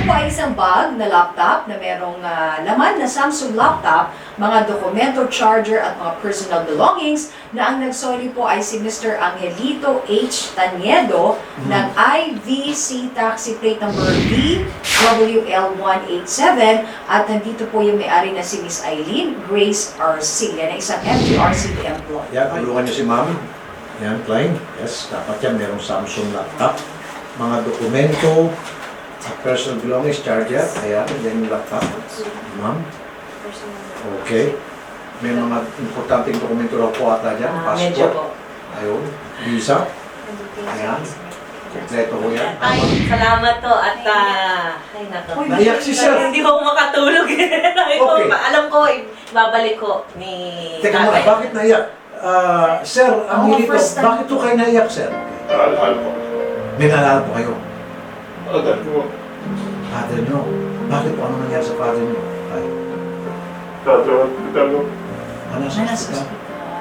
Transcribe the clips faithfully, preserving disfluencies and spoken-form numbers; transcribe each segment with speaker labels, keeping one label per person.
Speaker 1: po ay isang bag na laptop na merong uh, laman na Samsung laptop, mga dokumento, charger at mga personal belongings na ang nagsoli po ay si Mister Angelito H. Taniedo mm-hmm. ng I V C taxi plate number B W L one eight seven at nandito po yung may-ari na si Miss Eileen Grace R C, yan ay isang M T R C employee.
Speaker 2: Yan, tulungan niyo si ma'am. Yan, Klein. Yes, dapat yan merong Samsung laptop. Mga dokumento, personal belongings, charger. Ayan, yan yung laptop. Ma'am. Okay. May mga importanteng dokumento raw po ata dyan.
Speaker 3: Ah, medyo po.
Speaker 2: Ayun. Visa. Ayan. Kompleto ko yan.
Speaker 3: Ay, salamat to at uh, ay nako.
Speaker 2: Naiyak si sir.
Speaker 3: Hindi ko makatulog. Ay,
Speaker 2: Okay.
Speaker 3: pa, alam ko, ibabalik ko ni
Speaker 2: Teka muna,
Speaker 3: tatay.
Speaker 2: bakit naiyak? Ah, sir, ang
Speaker 1: Oh,
Speaker 2: hilito,
Speaker 1: first time.
Speaker 2: bakit to kayo naiyak, sir?
Speaker 4: Alahal po.
Speaker 2: May naalala po kayo.
Speaker 4: Agad po.
Speaker 2: Father nyo. Bakit po ano nangyari sa father nyo? Ay,
Speaker 4: Tato hospital po.
Speaker 2: ano sa
Speaker 1: Nasa
Speaker 2: hospital?
Speaker 1: hospital.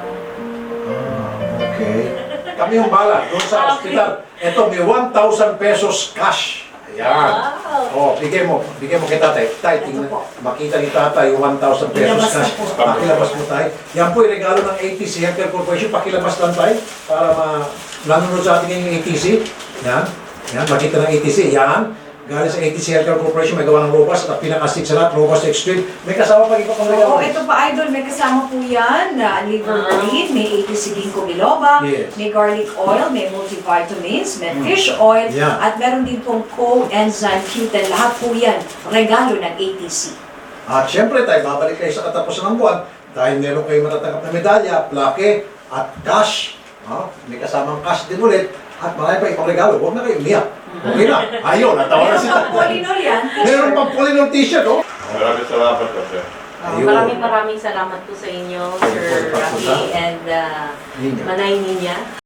Speaker 2: Ah, okay. Kami yung bala, doon sa
Speaker 3: Okay.
Speaker 2: hospital. Ito, may one thousand pesos cash. Ayan.
Speaker 3: Wow.
Speaker 2: Oh, bigay mo. Bigay mo kay tatay. Tay, tingnan.
Speaker 1: Ito po.
Speaker 2: Makita ni tatay yung one thousand pesos
Speaker 1: Ilabas na
Speaker 2: cash.
Speaker 1: po.
Speaker 2: Pakilabas mo tayo. Yan po yung regalo ng A T C Healthcare Corporation. Pakilabas lang tayo para ma nanonood sa atin yung A T C. Yan. Yan, makita ng A T C. Yan. Galing sa A T C Healthcare Corporation, may gawa ng Robust at pinakastig sa lahat, Robust Extreme. May kasama pa iba pang regalo.
Speaker 1: Oo, ito pa idol, may kasama po yan na liver green, may A T C ginkgo biloba,
Speaker 2: Yes.
Speaker 1: may garlic oil, may multivitamins, may fish oil,
Speaker 2: Yeah.
Speaker 1: at meron din pong coenzyme Q ten. Lahat po yan, regalo ng A T C.
Speaker 2: At syempre tayo, babalik kayo sa katapusan ng buwan dahil meron kayo matatanggap na medalya, plaque, at cash. Ah, may kasamang cash din ulit. At marami pa ibang regalo. Huwag na kayo umiyak. Okay na. Ayun, natawa na
Speaker 1: Meron
Speaker 2: sila.
Speaker 1: pang polinol yan.
Speaker 2: Meron pang Polinol t-shirt, oh.
Speaker 4: Maraming salamat po, sir.
Speaker 3: Ah,
Speaker 2: Ayun.
Speaker 3: maraming maraming salamat po sa inyo,
Speaker 2: Thank you
Speaker 3: Sir
Speaker 2: for the
Speaker 3: Rocky
Speaker 2: pagpunta.
Speaker 3: and uh,
Speaker 2: Ninyo.
Speaker 3: Manay Ninya.